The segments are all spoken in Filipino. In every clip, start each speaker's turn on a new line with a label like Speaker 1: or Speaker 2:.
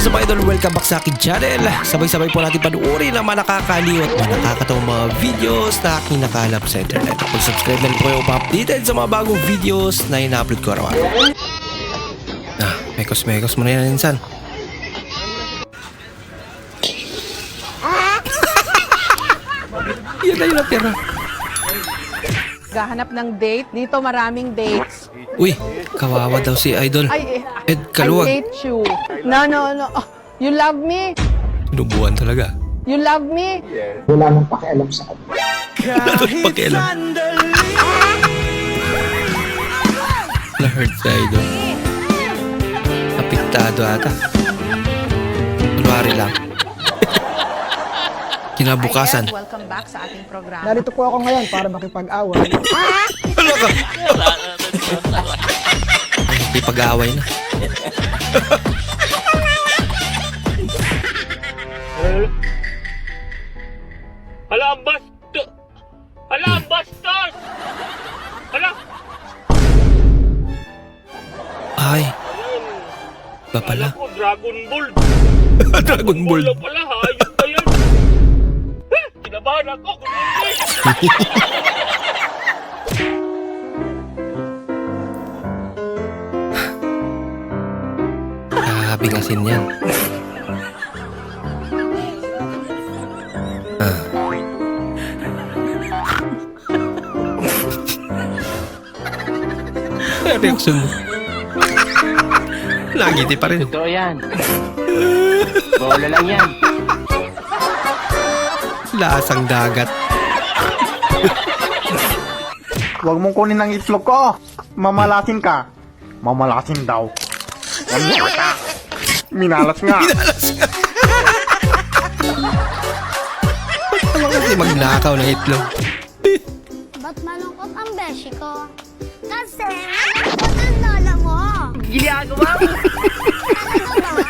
Speaker 1: is up, idol? Welcome back sa akin channel. Sabay-sabay po natin panuorin ang mga nakakaliw at mga nakakatawang mga videos na aking nakalap sa internet. Kung subscribe na rin po kayo pa-updated sa mga bagong videos na ina-upload ko araw. Mekos mo na yan, insan. Yan na yun ang pera.
Speaker 2: Gahanap ng date. Dito maraming dates.
Speaker 1: Uy, kawawa daw si idol. Ed
Speaker 2: I
Speaker 1: Kaluwag.
Speaker 2: hate you. No. Oh, you love me?
Speaker 1: Sinubuan talaga.
Speaker 2: You love me?
Speaker 3: Wala nang pakialam sa akin.
Speaker 1: Wala nang pakialam. Na-hurt si idol. Apektado ata. Kunwari lang. Kinabukasan.
Speaker 2: Hi, welcome back sa ating programa.
Speaker 3: Narito po ako ngayon para makipag-away.
Speaker 1: Ano ka? May pag-aaway na.
Speaker 4: Hala, ang bastos! Hala, ang bastos! Hala!
Speaker 1: Ay. Ba pala?
Speaker 4: Alam ko, Dragon Ball.
Speaker 1: Dragon Ball.
Speaker 4: Wala pala, hayop ba yan? Kinabahan ako, kundi.
Speaker 1: Bingasin yan. Reaction mo. Nagiti pa rin.
Speaker 4: Totoo yan. Bola lang yan.
Speaker 1: Lasang dagat.
Speaker 5: Huwag mong kunin ang itlog ko. Mamalasin ka. Mamalasin daw. Ano ka? Minalas nga.
Speaker 1: Ano kasi magnakaw ng itlog?
Speaker 6: Ba't malungkot ang beshi ko? Kasi malungkot ang lola mo.
Speaker 4: Ginagawa mo.
Speaker 6: Talaga ba?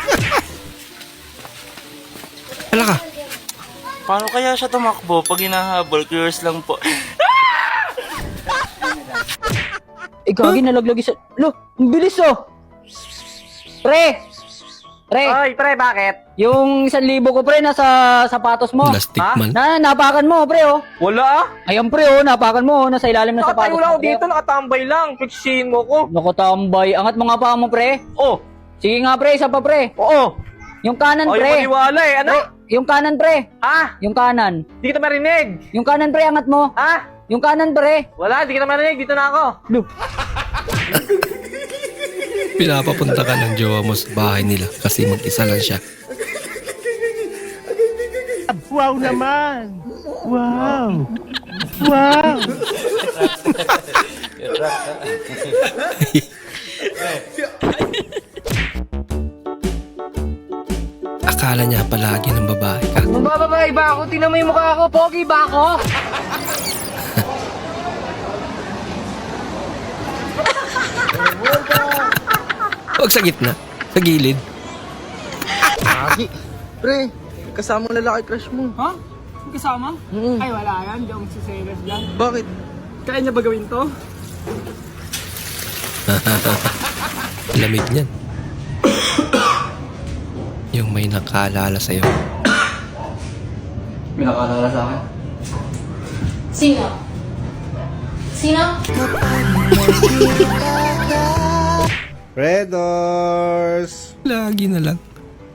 Speaker 1: Hala ka.
Speaker 7: Paano kaya siya tumakbo pag hinahabol? Curious lang po.
Speaker 8: Ikaw, nalaglag isa. Lo, ang bilis oh! Pre!
Speaker 4: Ay, pre, bakit?
Speaker 8: Yung 1,000 ko pre, nasa sapatos mo.
Speaker 1: Plastic man.
Speaker 8: Napakan mo pre oh.
Speaker 4: Wala ah.
Speaker 8: Ayan pre oh, napakan mo nasa ilalim ng sapatos
Speaker 4: Nakatayo lang
Speaker 8: mo.
Speaker 4: ako dito, nakatambay lang. Pagsisin mo ko.
Speaker 8: Nakatambay. Angat mo nga pa mo pre.
Speaker 4: Oh,
Speaker 8: Sige nga pre, isa pa pre.
Speaker 4: oo.
Speaker 8: Yung kanan
Speaker 4: Ay,
Speaker 8: pre.
Speaker 4: maniwala eh. Ano?
Speaker 8: Yung kanan pre.
Speaker 4: Ah,
Speaker 8: Yung kanan.
Speaker 4: di kita marinig.
Speaker 8: Yung kanan pre, angat mo.
Speaker 4: Ah,
Speaker 8: Yung kanan pre.
Speaker 4: wala, di kita marinig. Dito na ako.
Speaker 1: Pinapapunta ka ng jowa mo sa bahay nila kasi mag-isa lang siya.
Speaker 4: Wow naman. Wow. Wow.
Speaker 1: Akala niya palagi ng babae ka.
Speaker 8: Mabababae ba ako? Tingnan mo yung mukha ko. Pogi ba ako?
Speaker 1: Huwag sa gitna. Sa gilid.
Speaker 7: Pre, kasama mo lalaki crush mo.
Speaker 9: Ha? Kasama? Ay, wala yan. Hindi ako magsiselos dyan.
Speaker 7: Bakit?
Speaker 9: Kaya niya ba gawin to?
Speaker 1: Lamig niyan. Yung may nakaalala sa'yo.
Speaker 7: May nakalala sa akin.
Speaker 6: Sino? Sino?
Speaker 5: Redors!
Speaker 1: Lagi na lang.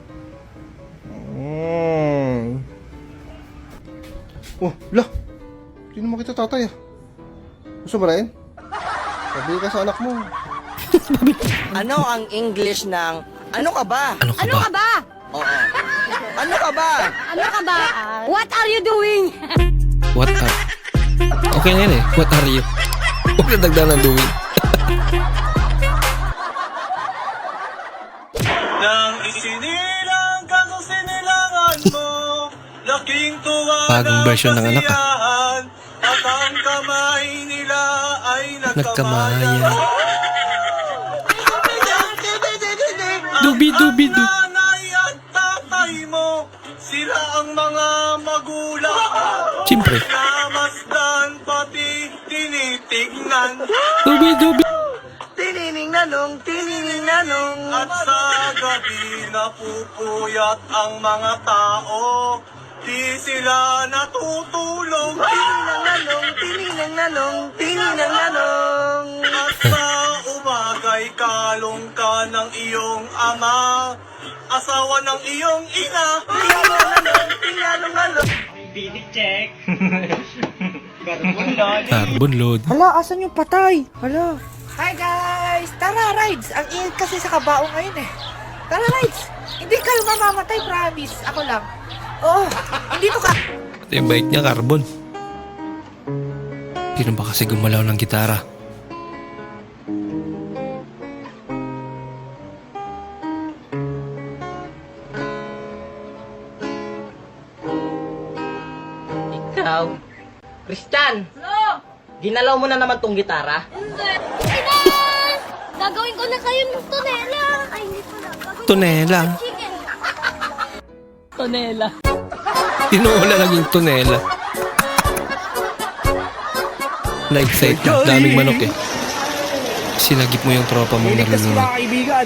Speaker 5: Oh, la! Hindi naman kita tatay ah. Gusto mo rin? Sabi ka sa anak mo.
Speaker 7: Ano ang English ng ano ka ba?
Speaker 1: Ano ka ba?
Speaker 6: Ba?
Speaker 7: Oo. Ano ka ba?
Speaker 6: Ano ka ba? What are you doing?
Speaker 1: What are... Okay na yun eh. What are you? Huwag na dagdagan ng doing.
Speaker 4: Nang isinilang ka sa sinilangan mo, laking tuwa
Speaker 1: Bagong version ng anak
Speaker 4: at ang kamay nila ay
Speaker 1: Nagkamayan. Dubi-dubi-du.
Speaker 4: Nanay at tatay mo, sila ang mga magulang.
Speaker 1: Siyempre.
Speaker 4: Namasdan pati tinitignan.
Speaker 1: Dubi-dubi.
Speaker 4: Tininingnanong, tininingnanong. At sa gabi napupuyat ang mga tao. Di sila natutulog.
Speaker 7: Tininang-nanong.
Speaker 4: At sa umagay kalong ka ng iyong ama, asawa ng iyong ina.
Speaker 1: Carbon load.
Speaker 7: Hala, asan yung patay? Hala. Hi guys! Tara, rides! Ang init kasi sa kabao ngayon eh. Tara, rides! Hindi kayo mamamatay, promise. Ako lang. Oo, hindi to ka...
Speaker 1: Ito yung bike niya, carbon. Sino ba kasi gumalaw ng gitara?
Speaker 7: Ikaw. Kristan! Ginalaw mo na naman tong gitara?
Speaker 6: Inan! Gagawin ko na kayo ng tunela. Ay, hindi pala. Gagawin
Speaker 1: Tunela.
Speaker 6: ko ng chicken.
Speaker 1: Tinula naging tunela. Na-excite na. Daming manok eh. Sinagip mo yung tropa mong nalulunod.
Speaker 9: kaibigan.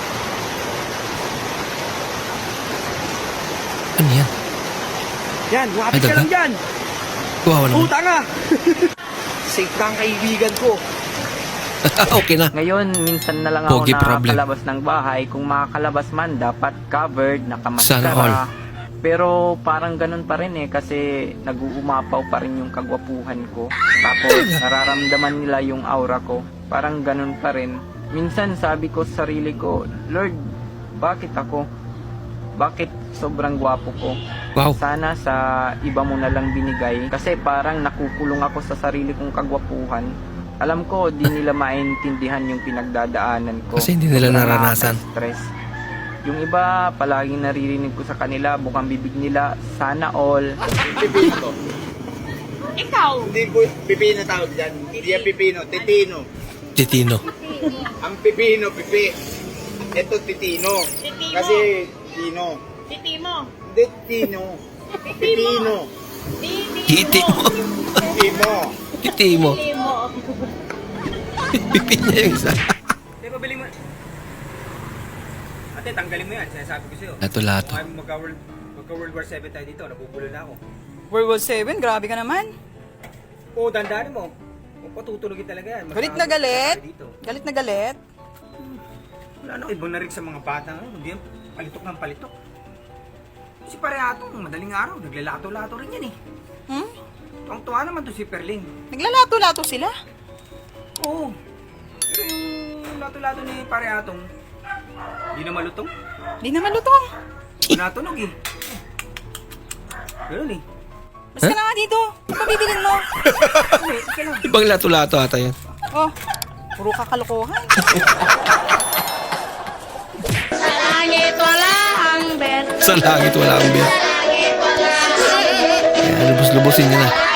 Speaker 1: Ano yan?
Speaker 9: Yan,
Speaker 1: Ay,
Speaker 9: wapit ka
Speaker 1: daga?
Speaker 9: lang dyan.
Speaker 1: Wow naman.
Speaker 9: Puta nga. Safe ka ang kaibigan ko.
Speaker 1: Okay na.
Speaker 10: Ngayon, minsan na lang ako
Speaker 1: Pogi problem.
Speaker 10: nakakalabas ng bahay. Kung makakalabas man, dapat covered,
Speaker 1: Sana all.
Speaker 10: nakamaskara. Pero parang ganun pa rin eh, kasi nag-uumapaw pa rin yung kagwapuhan ko. Tapos nararamdaman nila yung aura ko. Parang ganun pa rin. Minsan sabi ko sa sarili ko, Lord, bakit ako? Bakit sobrang gwapo ko?
Speaker 1: Wow.
Speaker 10: Sana sa iba mo na lang binigay. Kasi parang nakukulong ako sa sarili kong kagwapuhan. Alam ko, di nila maintindihan yung pinagdadaanan ko.
Speaker 1: Kasi hindi nila
Speaker 10: Sobrang
Speaker 1: naranasan.
Speaker 10: nakaka-stress. Yung iba, palaging naririnig ko sa kanila, bukang bibig nila, sana all.
Speaker 9: Hindi po pipino tawag dyan. Hindi yan pipino, titino.
Speaker 1: Titino.
Speaker 9: Ang pipino, pipi. Ito titino. Kasi tino. Titimo. Hindi tino. Pipino.
Speaker 1: Titi mo.
Speaker 9: Timo.
Speaker 1: Titi mo. Pipi niya yung isa.
Speaker 9: Diba bili mo? Ate, tanggalin mo yan. Sinasabi ko sa'yo.
Speaker 1: Lato-lato.
Speaker 9: Kung magka-World War 7 tayo dito, nabubulo na ako.
Speaker 8: World War 7? Grabe ka naman.
Speaker 9: Oo, dandanin mo. Kung patutulogin talaga yan.
Speaker 8: Galit na galit?
Speaker 9: Dito.
Speaker 8: Galit na galit?
Speaker 9: Wala na, ibang narig sa mga bata ngayon. Hindi yan palitok ng palitok. Si Pareatong, madaling araw, naglalato-lato rin yan eh.
Speaker 8: Hmm?
Speaker 9: Tuwang-tuwa naman to si Perling.
Speaker 8: Naglalato-lato sila?
Speaker 9: Oo. Pero yung lato-lato ni Pareatong, hindi na malutong.
Speaker 8: Di naman lutong.
Speaker 9: Natunog eh. Ganun eh.
Speaker 8: Mas ka na nga dito. Ano ba bibilin mo?
Speaker 1: Ibang lato-lato ata yan.
Speaker 8: Oh, puro kakalokohan.
Speaker 6: Sa langit wala ang bet.
Speaker 1: Sa langit wala ang beer.
Speaker 6: Sa langit wala ang bet.
Speaker 1: Kaya lubos-lubosin niya na.